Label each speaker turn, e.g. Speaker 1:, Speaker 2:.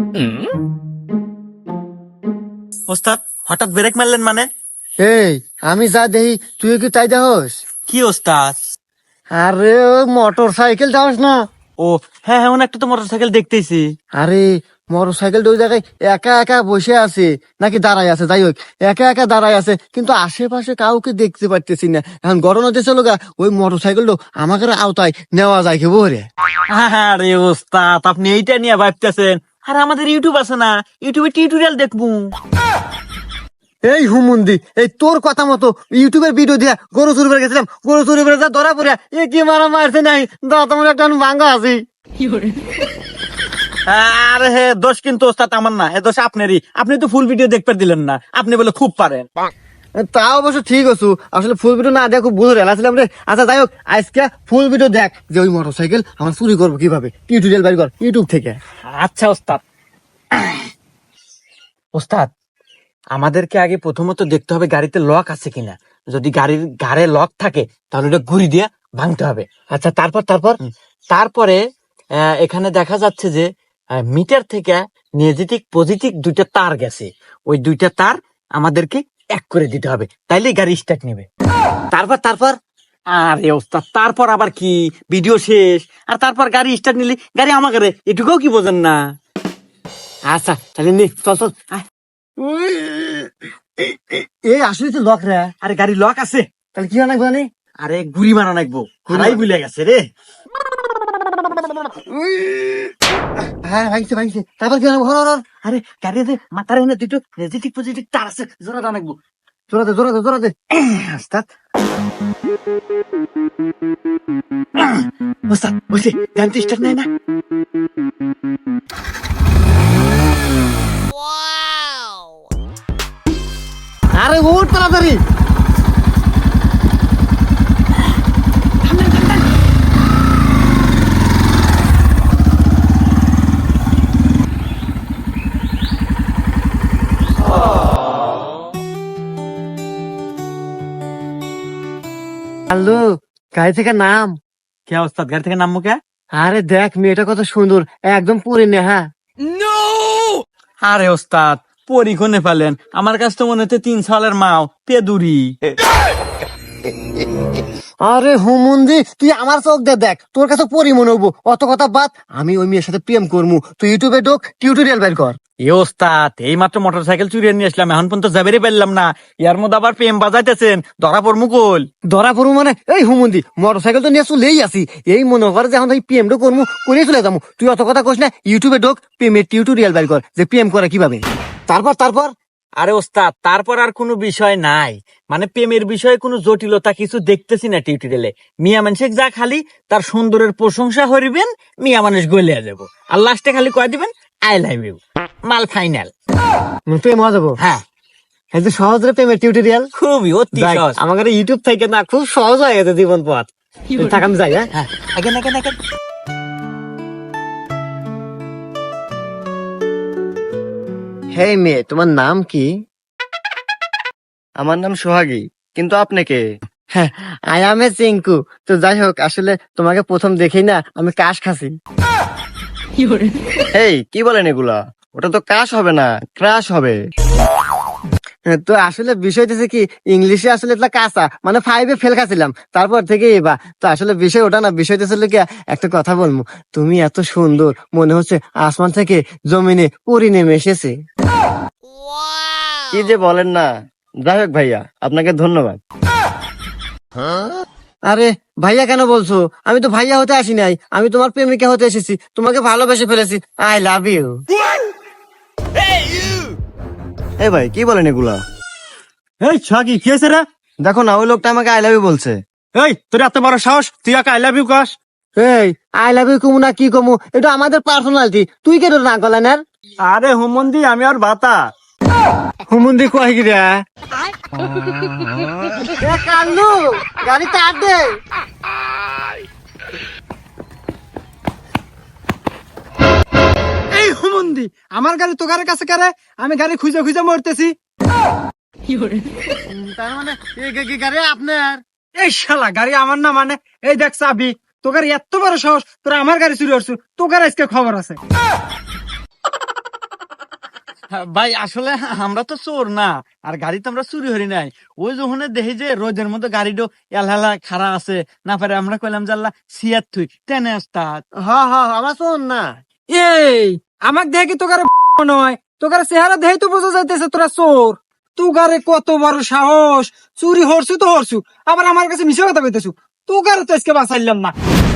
Speaker 1: ওস্তাদ হঠাৎ ব্রেক মারলেন মানে?
Speaker 2: এই আমি যা দেখি তুই কি তাই দেখস?
Speaker 1: কি ওস্তাদ?
Speaker 2: আরে ওই মোটর সাইকেল যাস না?
Speaker 1: ও হ্যাঁ হ্যাঁ, একটা তো মোটরসাইকেল দেখতেছি।
Speaker 2: আরে মোটর সাইকেল ওই জায়গায় একা একা বসে আছে নাকি দাঁড়ায় আছে, যাই হোক একা একা দাঁড়ায় আছে, কিন্তু আশেপাশে কাউকে দেখতে পারতেছি না। এখন গরম হতে চলো গা, ওই মোটর সাইকেলটা আমাকে আওতায় নেওয়া যায় কি বলে?
Speaker 1: আরে ওস্তাদ, আপনি এইটা নিয়ে ভাবতেছেন? আর আমাদের ইউটিউব আছে না, ইউটিউবে টিউটোরিয়াল দেখবো।
Speaker 2: এই হুমুন্দি, এই তোর কথা মতো ইউটিউবের ভিডিও দিয়া গরু চুরি করে গেছিলাম, গরু চুরি করে যা ধরা পড়িয়া এ কি মারা মারছে নাই, দাঁত আমার একটা ভাঙ্গা আছে।
Speaker 1: আরে হে দোষ কিন্তু ওস্তাদ আমার না, হে দোষ আপনারই। আপনি তো ফুল ভিডিও দেখতে দিলেন না, আপনি বলে খুব পারেন।
Speaker 2: তা অবশ্য ঠিক আছো, আসলে ফুল ভিডিও না দেখো বুঝে রেলাছিলাম রে। আচ্ছা যাই হোক, আজকে ফুল ভিডিও দেখ যে ওই মোটর সাইকেল আমার চুরি করবো কিভাবে, টিউটোরিয়াল বাইর কর ইউটিউব থেকে।
Speaker 1: আচ্ছা ওস্তাদ। ওস্তাদ, আমাদেরকে আগে প্রথমত দেখতে হবে গাড়িতে লক আছে কিনা। যদি গাড়ির ঘাড়ে লক থাকে তাহলে ওটা ঘুরি দিয়ে ভাঙতে হবে।
Speaker 2: আচ্ছা
Speaker 1: তারপরে এখানে দেখা যাচ্ছে যে মিটার থেকে নেগেটিভ পজিটিভ দুইটা তার গেছে, ওই দুইটা তার আমাদেরকে এক করে দিতে হবে, তাইলে গাড়ি স্টার্ট নেবে।
Speaker 2: তারপর
Speaker 1: আরে ওস্তাদ, তারপর আবার কি, ভিডিও শেষ। আর তারপর গাড়ি স্টার্ট নিলে গাড়ি আমাকে, এটুকুও কি বোঝেন না?
Speaker 2: আচ্ছা তাহলে নে, চল
Speaker 1: আয়।
Speaker 2: এই আসলে তো লক রে।
Speaker 1: আরে গাড়ি লক আছে,
Speaker 2: তাহলে কি অনেক জানি।
Speaker 1: আরে গুড়ি মারা নাকবো, হারাই ভুলে গেছে রে।
Speaker 2: হ্যাঁ ভাঙছে, তারপর কি অনেক ঘর।
Speaker 1: আরে গাড়িতে মাথার এনে দুটো নেগেটিভ পজিটিভ তার আছে, জোড়া নাকবো।
Speaker 2: জোরাতে
Speaker 1: ওস্তাদ, ওস্তাদ বসে গান তো স্টার্ট নেয় না।
Speaker 2: আরে ওঠ তাড়াতাড়ি। হ্যালো, গাড়ি থেকে নাম।
Speaker 1: কে ওস্তাদ, গাড়ি থেকে নামবো কে?
Speaker 2: আরে দেখ মেয়েটা কত সুন্দর, একদম পরে নে। হ্যাঁ
Speaker 1: আরে ওস্তাদ, পরীক্ষণে ফেলেন, আমার কাছে তো মনে হচ্ছে 3 সালের মাও পেদুরি।
Speaker 2: আরে হুমুন্দি, তুই আমার চোখ দিয়ে দেখ, তোর কাছে পরি মনে হবো। অত কথা বাদ, আমি ওই মেয়ের সাথে প্রেম করবো, তুই ইউটিউবে ঢোক, টিউটোরিয়াল বের কর।
Speaker 1: এ ওস্তাদ, এই মাত্র মোটরসাইকেল চুরিয়ে নিয়ে আসলাম, এখন পর্যন্ত যাবেরই পারলাম না, ইয়ার মধ্যে আবার প্রেম বাজাইতেছেন, ধরা পড় মুকুল।
Speaker 2: ধরা পড়বো মানে? এই হুমুন্দি, মোটর সাইকেল তো নিয়ে চলেই আসি, এই মনে করে যে এখন প্রেমটা করবো, করে চলে যাবো। তুই অত কথা কইস না, ইউটিউবে ঢোক, প্রেমের টিউটোরিয়াল বের কর যে প্রেম করে কিভাবে। তারপর
Speaker 1: আরে ওস্তাদ, তারপর আর কোনো বিষয় নাই, মানে প্রেমের বিষয়ে কোনো জটিলতা কিছু দেখতেছি না টিউটোরিয়ালে। মিয়া মানুষ যা খালি তার সুন্দরের প্রশংসা করিবেন, মিয়া মানুষ গলিয়া যাব, আর লাস্টে খালি কয়ে দিবেন আই লাভ ইউ, মাল ফাইনাল।
Speaker 2: প্রেম হয়ে যাবো।
Speaker 1: হ্যাঁ,
Speaker 2: এই যে সহজ রে প্রেমের টিউটোরিয়াল,
Speaker 1: খুবই অতি সহজ।
Speaker 2: আমাদের ইউটিউব থেকে না খুব সহজ হয়ে গেছে জীবন পথ। থাক আমি যাই। হ্যাঁ
Speaker 1: আগে
Speaker 2: হেই মেয়ে, তোমার নাম কি?
Speaker 3: আমার নাম সোহাগী, কিন্তু আপনি কে?
Speaker 2: I M A চিঙ্কু। তো যাই হোক, আসলে তোমাকে প্রথম দেখেই না আমি কাশ খাসি।
Speaker 3: এই কি বলেন এগুলা? ওটা তো কাশ হবে না, ক্রাশ হবে।
Speaker 2: তো আসলে বিষয় হচ্ছে কি, ইংলিশে আসলে এটা কাঁচা মানে 5-এ ফেল খাচ্ছিলাম, তারপর থেকে এবার তো আসলে বিষয় ওটা না, বিষয় হচ্ছে কি, একটা কথা বলবো, তুমি এত সুন্দর, মনে হচ্ছে আসমান থেকে জমিনে পরি নেমে এসেছে।
Speaker 3: কি যে বলেন না। যাই হোক ভাইয়া, আপনাকে ধন্যবাদ।
Speaker 2: আরে ভাইয়া কেন বলছো? আমি তো ভাইয়া হতে আসি নাই, আমি তোমার প্রেমিকা হতে এসেছি, তোমাকে ভালোবেসে ফেলেছি। I love you.
Speaker 3: এই ভাই কি বলেন এগুলা?
Speaker 1: এই ছাগি কি হয়েছে রে?
Speaker 3: দেখো না, ওই লোকটা আমাকে আই লাভ ইউ বলছে।
Speaker 1: এই তোর এত বড় সাহস, তুই একা আই লাভ ইউ কস?
Speaker 2: এই আই লাভ ইউ কমু না কি কমু, এটা আমাদের পার্সোনালিটি, তুই কেন না করলেন? আর
Speaker 1: আরে হুমন্দি, আমি আর বাতা
Speaker 2: হুমুন্দি কয় কি রে? কাল্লু, গাড়ি তার দে।
Speaker 4: এই হুমন্দি, আমার গাড়ি তোকারের কাছে কারে? আমি গাড়ি খুঁজে খুঁজে মরতেছি।
Speaker 2: তার মানে গাড়ি আপনার?
Speaker 4: এই শালা, গাড়ি আমার না মানে? এই দেখ চাবি, তোকার এত বড় সাহস, তোরা আমার গাড়ি চুরি করছু, তোকার আজকে খবর আছে।
Speaker 1: ভাই আসলে আমরা তো চোর না, আর গাড়ি তো আমরা চুরি হরি নাই। ওই যখন দেখি যে রোদের মধ্যে গাড়িটা এলহেলা খাড়া আছে, না পারে আমরা কইলাম জাল্লা সিয়াত থুই টেনে আসতা।
Speaker 2: আমার শোন না।
Speaker 4: এই আমাক দেখে তোকারে নয়, তোকারে চেহারা দেখে তো বোঝা যাইতেছে তোরা চোর। তোকারে কত বড় সাহস, চুরি হরছু তো হরছু, আবার আমার কাছে মিশে কথা কইতেছু। তোকারে তো আজকে বাঁচাইলাম না।